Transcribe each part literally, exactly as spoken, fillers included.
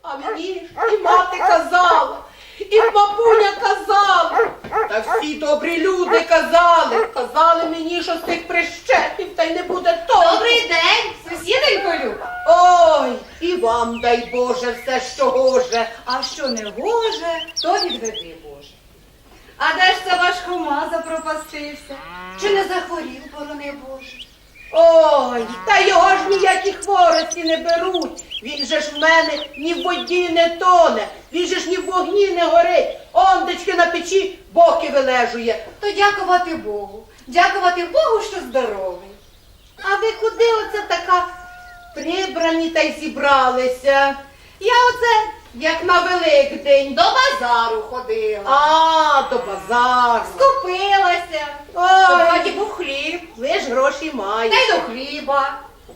А мені і мати казала, і бабуня казала, та всі добрі люди казали, казали мені, що з тих прищепів та й не буде того. Добрий день, сусідонько Люба. Ой, і вам дай Боже все, що гоже. А що не гоже, то відведи, Боже. А де ж це ваш Хома запропастився? Чи не захворів, борони Боже? Ой, та його ж ніякі хворості не беруть. Він же ж в мене ні в воді не тоне, він же ж ні в вогні не горить. Ондечки на печі боки вилежує. То дякувати Богу. Дякувати Богу, що здоровий. А ви куди оце така прибрані та й зібралися? Я оце, Як на Великдень. до базару ходила. А, до базару. Скупилася. В Ой, хаті був хліб. ви ж гроші Та маєте. й до хліба.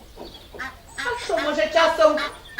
А що, може, часом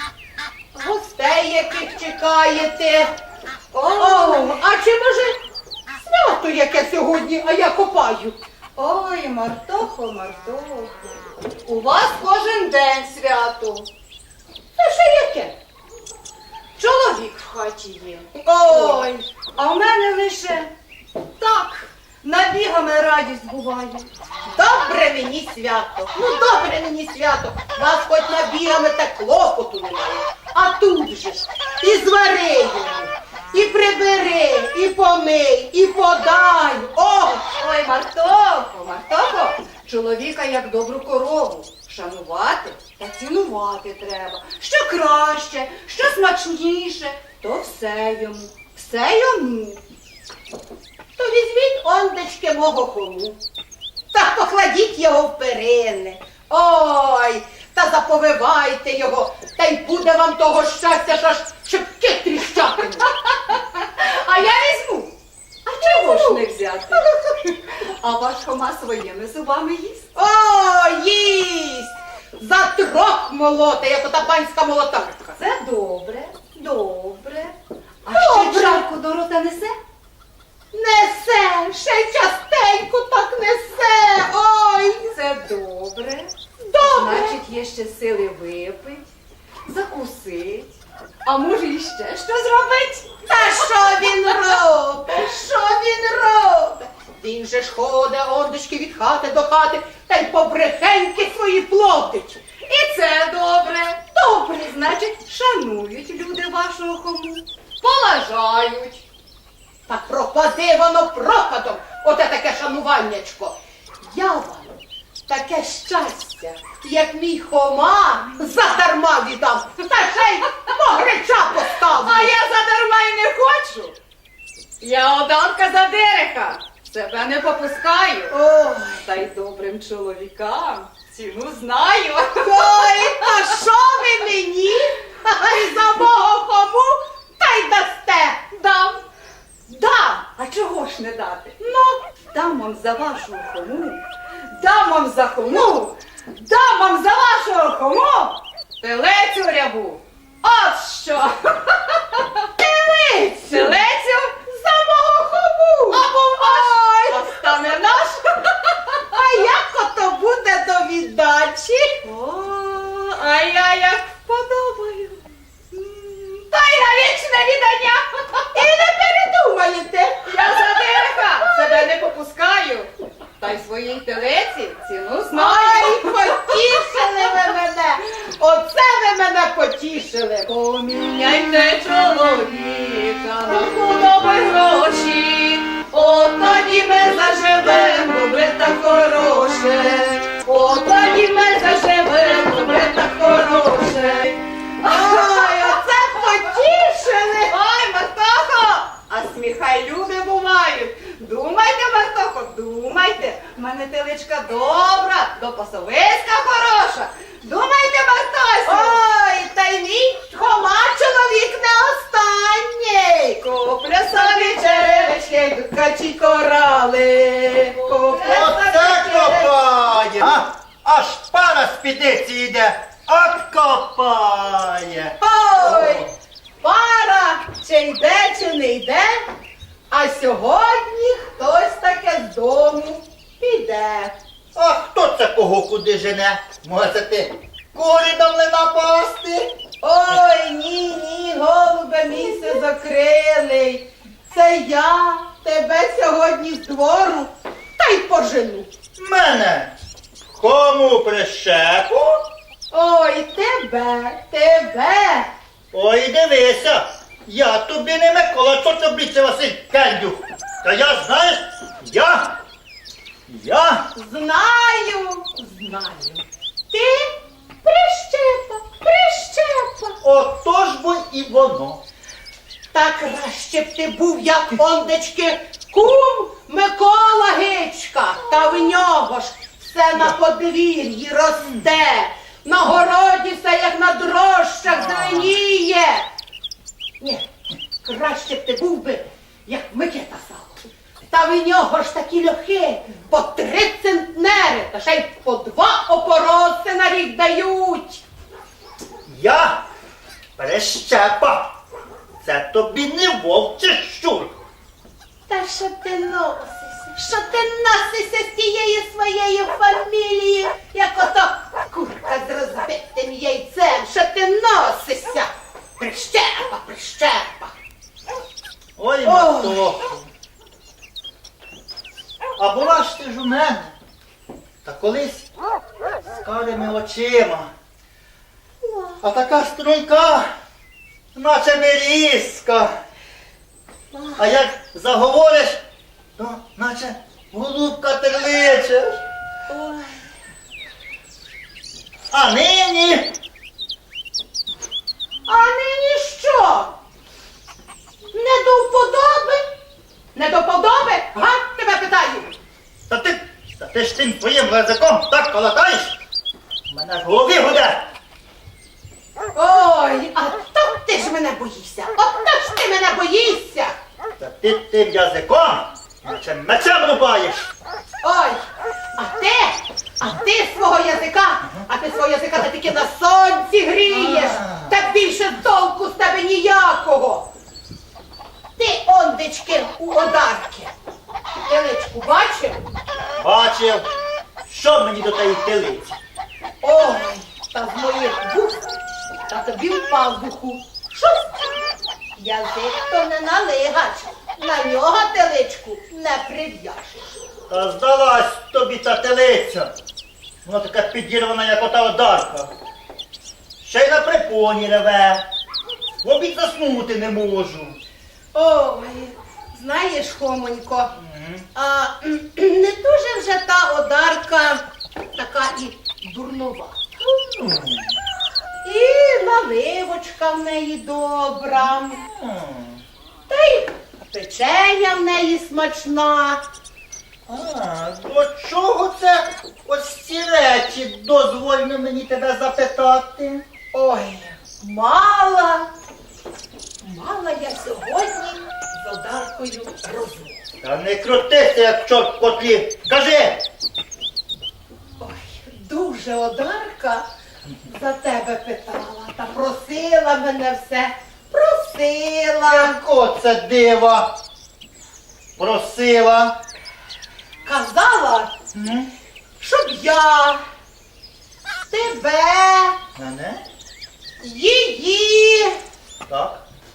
гостей яких чекаєте? О, а чи може свято яке сьогодні, а я копаю? Ой, Мартохо, Мартохо. У вас кожен день свято. Це ще яке? Чоловік в хаті є. Ой, А в мене лише так, набігами радість буває. добре мені свято, ну добре мені свято, вас хоч набігами та клопоту немає. А тут же ж і звари йому, і прибери, і помий, і подай. О, Ой, Мартохо, Мартохо, чоловіка як добру корову. Шанувати та цінувати треба. Що краще, що смачніше, то все йому, все йому. то візьміть ондечки мого Хому, та покладіть його в перини. Ой, та заповивайте його, та й буде вам того щастя, що аж шипки тріщатимуть. А я візьму. А чого ж не взяти? А ваш Хома своїми зубами їсть. О, їсть! За трох молоте, як ота панська молотарка. Це добре, добре. А Добре. ще чарку до рота несе? Несе, ще й частенько так несе. Ой, Це добре. добре. Значить, є ще сили випить, закусить. А може іще що зробить? Та що він робить? Що він робить? Він же ж ходить, ондечки, від хати до хати, та й побрехеньки свої плодить. І це добре. Добре, значить, шанують люди вашого Хому. Поважають. Та пропади воно пропадом, оте таке шануваннячко. Я вам таке щастя, як мій Хома, задарма віддам, та ще й погреча поставлю. А я задарма й не хочу. Я одарка за дереха. Себе не попускаю. Ой, Та й добрим чоловікам ціну знаю. ой, та що ви мені? Ай, за мого Хому та й дасте. Дам. Дам. А чого ж не дати? Ну, Дам вам за вашого Хому. Дам вам за Хому. Дам вам за вашого Хому. Телецю рябу. От що. телицю, Телецю за мого Хому. або ваш. А стане наш. А як ото буде до віддачі? О, а я як вподобаю. М, Та й на вічне віддання. І не передумаєте. Я за дереха себе не попускаю. Та й своїй телеці ціну знаю. Ай, потішили ви мене. Оце ви мене потішили. Поміняйте чоловіка на худоби гроші. От тоді ми заживем добре та хороше. От тоді ми заживем добре та хороше. Ой, оце потішили. Ой, Мартохо! А сміхай люди бувають. Думайте, Мартохо, думайте. В мене теличка добра, допасовиська хороша. Думайте, Мартосю. Ой, та й мій Хома чоловік не останній. Куплю собі черевички, Качі корали. куплю Оце собі черевички. копає! А? Аж пара спідниці йде, от копає! Ой, пара, чи йде, чи не йде, а сьогодні хтось таке з дому піде. А хто це кого куди жене? Може ти курі до млина пасти? Ой, ні, ні, Це я тебе сьогодні з двору та й пожену. Мене? Кому прищепу? Ой, тебе, тебе. Ой, дивися, я тобі не Микола, що тобі це Василь Кендюх. Та я, знаєш, я, я, Знаю, знаю. Ти прищепа, прищепа. отож бо і воно. Та краще б ти був, як ондечки, кум Микола Гичка. Та в нього ж все на подвір'ї росте. На городі все, як на дрожжах, зеленіє. Ні, краще б ти був би, як Микита Сало. Та в нього ж такі льохи по три центнери, та ще й по два опороси на рік дають. Я прищепа. Це тобі не вовк чи щур. Та що ти носишся? Що ти носишся з тією своєю фамілією, як ото курка з розбитим яйцем? Що ти носишся? Прищепа, прищепа. Ой, матоху. А була ж ти ж у мене. Та колись з карими очима. А така струнка, наче мирізка. А як заговориш, то наче голубка терличеш. Ой. А нині А нині що? Не до вподоби? Не до вподоби? Га? Тебе питаю. Та ти, та ти ж тим твоїм язиком так колотаєш, у мене в голові гуде. Ой, а то ти ж мене боїшся. Ото ж ти мене боїшся. Та ти тим язиком, наче мечем рубаєш. Ой, а ти, а ти свого язика, а ти свого язика та тільки на сонці грієш. Та більше толку з тебе ніякого. Ти, ондечки, у одарки. Теличку бачив? Бачив, що мені до тієї телиці. Ой, та з моїх вух, та тобі в пазуху. Шусь! Язик то не налигач, на нього теличку не прив'яжеш. Та здалась тобі та телиця. Вона така підірвана, як ота одарка. Ще й на припоні реве. В обід заснути не можу. Ой, знаєш, Хомонько, а, не дуже вже та одарка така і дурнова. І наливочка в неї добра, та й печеня в неї смачна. А, до чого це ось ці речі дозвольно мені тебе запитати? Ой, мала, мала я сьогодні з одаркою розмову. Та не крутися, як чорт в котлі. Кажи! Ой, дуже одарка за тебе питала та просила мене все, просила. Яко це дива? Просила. Казала, М? щоб я тебе, Мене? її Так.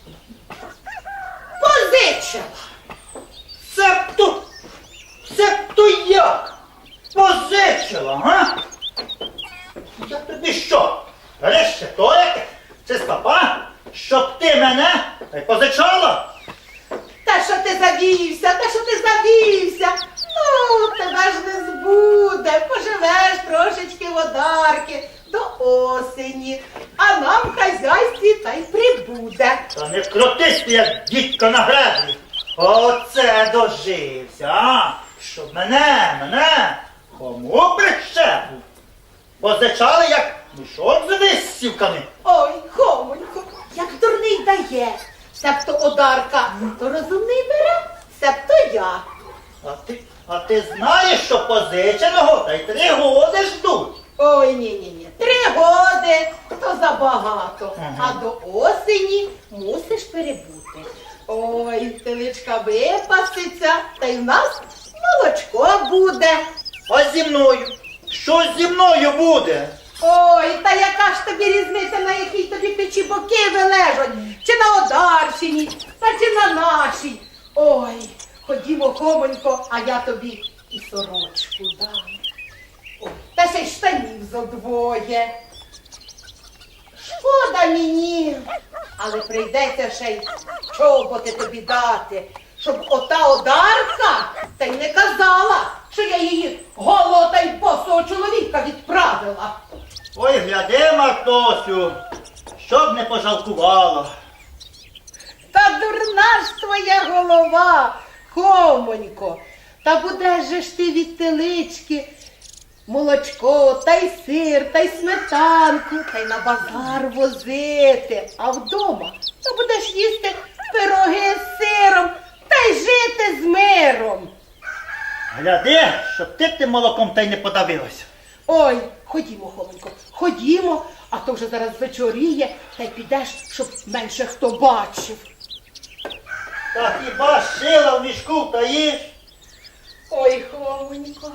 позичила. Себто, себто як? Позичила, га? Я тобі що? Решетояк? Чи стопа? Щоб ти мене та й позичала? Та що ти завівся, та що ти завівся? Ну, тебе ж не збуде, поживеш трошечки в одарки до осені, а нам в хазяйстві та й прибуде. Та не крутись ти, як дідько на греблі. Оце дожився, а? Щоб мене, мене, кому прищепу? Позичали, як мішок з висівками. Ой, Хомонько, як дурний дає, себто одарка, то розумний бере, себто я. А ти, а ти знаєш, що позиченого та й три годи ждуть. Ой, ні-ні-ні, три годи, то забагато, Ага. а до осені мусиш перебути. Ой, теличка випаситься, та й в нас молочко буде. А зі мною? Що зі мною буде? Ой, та яка ж тобі різниця, на якій тобі печі боки вилежать? Чи на Одарщині, та чи на нашій? Ой, ходімо, Хомонько, а я тобі і сорочку дам. Ой, та ще й штанів зо двоє. Шкода мені, але прийдеться ще й чоботи тобі дати, щоб ота одарка та й не казала, що я її голого та й босого чоловіка відправила. Ой, гляди, Мартосю, щоб не пожалкувала. Та дурна ж твоя голова, Хомонько, та будеш же ж ти від телички молочко, та й сир, та й сметанку, та й на базар возити. А вдома то будеш їсти пироги з сиром та й жити з миром. Гляди, щоб ти тим молоком та й не подавилася. Ой, ходімо, Хомонько, ходімо, а то вже зараз вечоріє, та й підеш, щоб менше хто бачив. Та хіба шила в мішку та їж? Ой, Хомонько,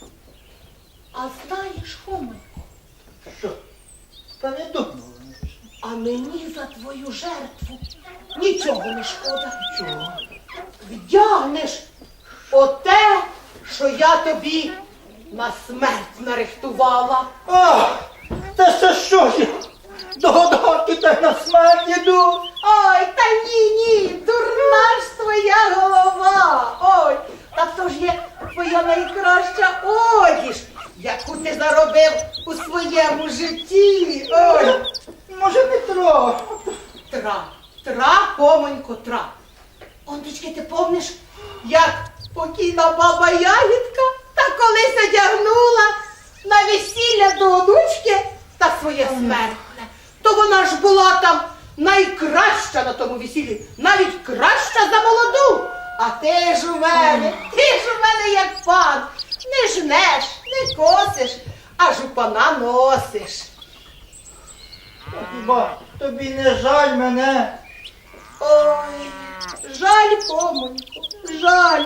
а знаєш, Хомонько, Що? Та не думала. а мені за твою жертву нічого не шкода. Чого? Вдягнеш оте, що я тобі на смерть нарихтувала. А, та це що ж я? До годовки та й на смерть іду. Ой, та ні, ні, дурна ж твоя голова. Ой, та то ж є твоя найкраща одіж, яку ти заробив у своєму житті. Ой, Може, не трохи. тра, тра, Хомонько, тра. Ондечки, ти помниш, як покійна баба Ягідка та колись одягнула на весілля до онучки та своє смертне. То вона ж була там найкраща на тому весіллі, навіть краща за молоду. А ти ж у мене, ти ж у мене як пан, не жнеш, не косиш, аж у пана носиш. Та хіба тобі не жаль мене? Ой, жаль, Хомонько, жаль.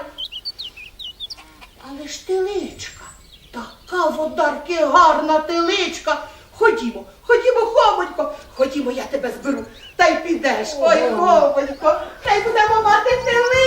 Але ж теличка, така в одарки гарна теличка. Ходімо, ходімо, Хомонько, ходімо, я тебе зберу, та й підеш. Ой, Хомонько, та й будемо мати теличку.